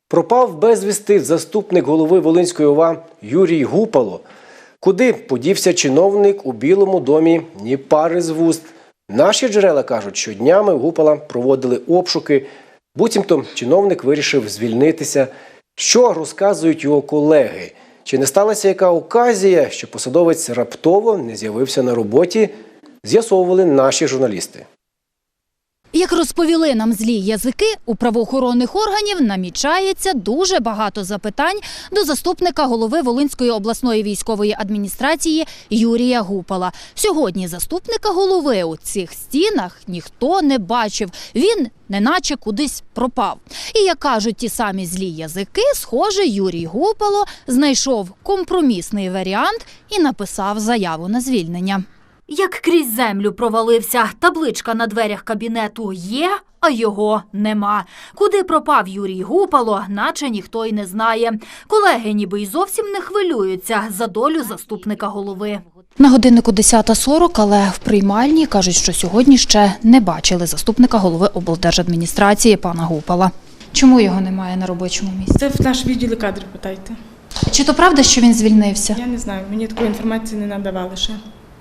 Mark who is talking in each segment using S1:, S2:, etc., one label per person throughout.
S1: Пропав безвісти заступник голови Волинської ОВА Юрій Гупало. Куди подівся чиновник у Білому домі – ні пари з вуст. Наші джерела кажуть, що днями у Гупала проводили обшуки. Буцімто чиновник вирішив звільнитися. Що розказують його колеги? Чи не сталася яка оказія, що посадовець раптово не з'явився на роботі? З'ясовували наші журналісти.
S2: Як розповіли нам злі язики, у правоохоронних органів намічається дуже багато запитань до заступника голови Волинської обласної військової адміністрації Юрія Гупала. Сьогодні заступника голови у цих стінах ніхто не бачив. Він неначе кудись пропав. І, як кажуть ті самі злі язики, схоже, Юрій Гупало знайшов компромісний варіант і написав заяву на звільнення. Як крізь землю провалився, табличка на дверях кабінету є, а його нема. Куди пропав Юрій Гупало, наче ніхто й не знає. Колеги ніби й зовсім не хвилюються за долю заступника голови. На годиннику 10:40, але в приймальні кажуть, що сьогодні ще не бачили заступника голови облдержадміністрації пана Гупала. Чому його немає на робочому місці?
S3: Це в наш відділ кадрів, питайте.
S2: Чи то правда, що він звільнився?
S3: Я не знаю, мені такої інформації не надавали ще.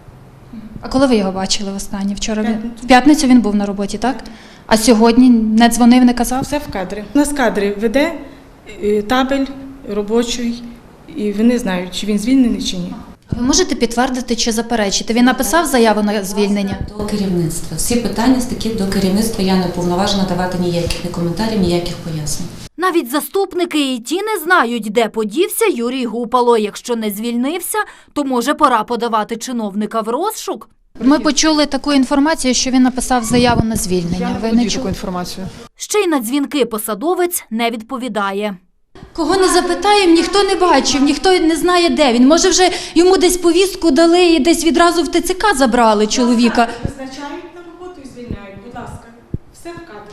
S2: А коли ви його бачили востаннє? Вчора?
S3: П'ятницю.
S2: В п'ятницю він був на роботі, так? А сьогодні не дзвонив, не казав?
S3: Все в кадрі. У нас кадри веде табель робочий, і вони знають, чи він звільнений, чи ні.
S2: Ви можете підтвердити чи заперечити? Він написав заяву на звільнення?
S4: До керівництва. Всі питання такі до керівництва. Я не уповноважена давати ніяких ні коментарів, ніяких пояснень.
S2: Навіть заступники і ті не знають, де подівся Юрій Гупало. Якщо не звільнився, то може пора подавати чиновника в розшук? Ми почули таку інформацію, що він написав заяву на звільнення. Ви не чули?
S3: інформацію.
S2: Ще й на дзвінки посадовець не відповідає. Кого не запитаємо, ніхто не бачив, ніхто не знає, де він. Може, вже йому десь повістку дали і десь відразу в ТЦК забрали чоловіка.
S3: Визначають на роботу і звільняють, будь ласка. Все в кадрі.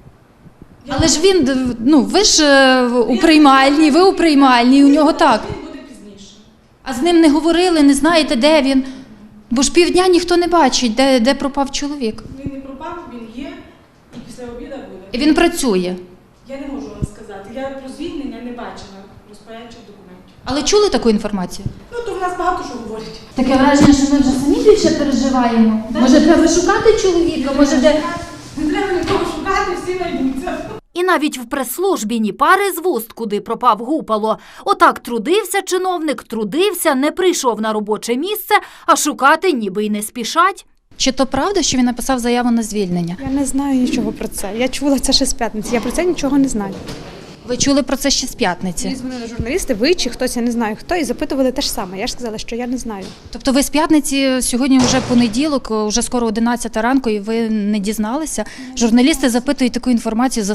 S2: Але ж він, ви ж у приймальній, ви у приймальній, у нього так.
S3: Він буде пізніше.
S2: А з ним не говорили, не знаєте, де він. Бо ж півдня ніхто не бачить, де пропав чоловік.
S3: Він не пропав, він є, і після обіду буде.
S2: І він працює.
S3: Я не можу вам сказати. Я про звільнення не бачила розпорядчих документів.
S2: Але чули таку інформацію?
S3: Ну, то в нас багато що говорять.
S2: Таке враження, що ми вже самі більше переживаємо. Може, треба шукати чоловіка, може, де...
S3: Не треба нікого шукати, всі знайдуться.
S2: І навіть в прес-службі ні пари з вуст, куди пропав Гупало. Отак трудився чиновник, трудився, не прийшов на робоче місце, а шукати ніби й не спішать. Чи то правда, що він написав заяву на звільнення?
S5: Я не знаю нічого про це. Я чула це ще з п'ятниці. Я про це нічого не знаю.
S2: Ви чули про це ще з п'ятниці?
S5: Мені дзвонили журналісти, ви чи хтось, я не знаю хто, і запитували те ж саме. Я ж сказала, що я не знаю.
S2: Тобто ви з п'ятниці, сьогодні вже понеділок, вже скоро 11 ранку, і ви не дізналися? Журналісти запитують таку інформацію,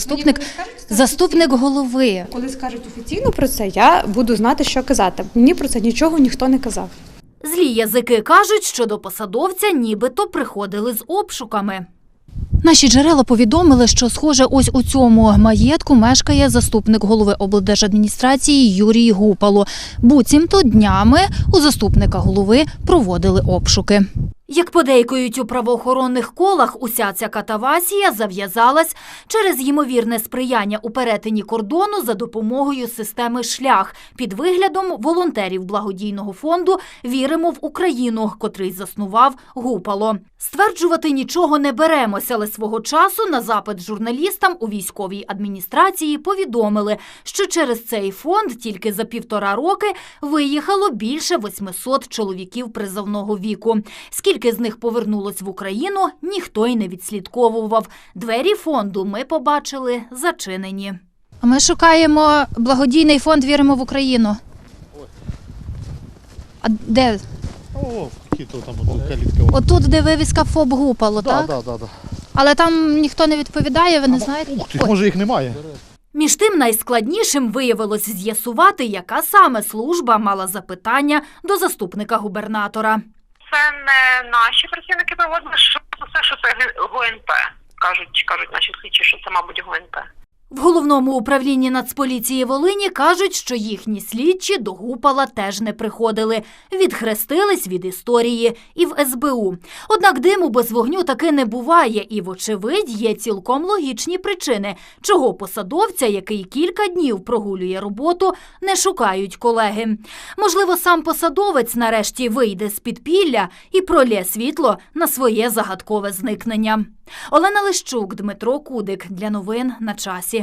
S2: заступник голови.
S5: Коли скажуть офіційно про це, я буду знати, що казати. Мені про це нічого ніхто не казав.
S2: Злі язики кажуть, що до посадовця нібито приходили з обшуками. Наші джерела повідомили, що, схоже, ось у цьому маєтку мешкає заступник голови облдержадміністрації Юрій Гупало. Буцімто днями у заступника голови проводили обшуки. Як подейкують у правоохоронних колах, уся ця катавасія зав'язалась через ймовірне сприяння у перетині кордону за допомогою системи «Шлях» під виглядом волонтерів благодійного фонду «Віримо в Україну», котрий заснував Гупало. Стверджувати нічого не беремося, але свого часу на запит журналістам у військовій адміністрації повідомили, що через цей фонд тільки за 1,5 роки виїхало більше 800 чоловіків призовного віку. Скільки з них повернулось в Україну, ніхто й не відслідковував. Двері фонду ми побачили зачинені. А ми шукаємо благодійний фонд «Віримо в Україну». А де?
S6: О, які-то там калітка.
S2: Отут, де вивіска ФОП Гупало, так?
S6: Так.
S2: Але там ніхто не відповідає, ви не знаєте?
S6: Ух ти, може їх немає.
S2: Між тим найскладнішим виявилось з'ясувати, яка саме служба мала запитання до заступника губернатора.
S7: Це не наші працівники проводили, що це ГУНП. Кажуть наші слідчі, що це, мабуть, ГУНП.
S2: В Головному управлінні Нацполіції Волині кажуть, що їхні слідчі до Гупала теж не приходили. Відхрестились від історії і в СБУ. Однак диму без вогню таки не буває і, вочевидь, є цілком логічні причини, чого посадовця, який кілька днів прогулює роботу, не шукають колеги. Можливо, сам посадовець нарешті вийде з підпілля і пролє світло на своє загадкове зникнення. Олена Лищук, Дмитро Кудик. Для новин на часі.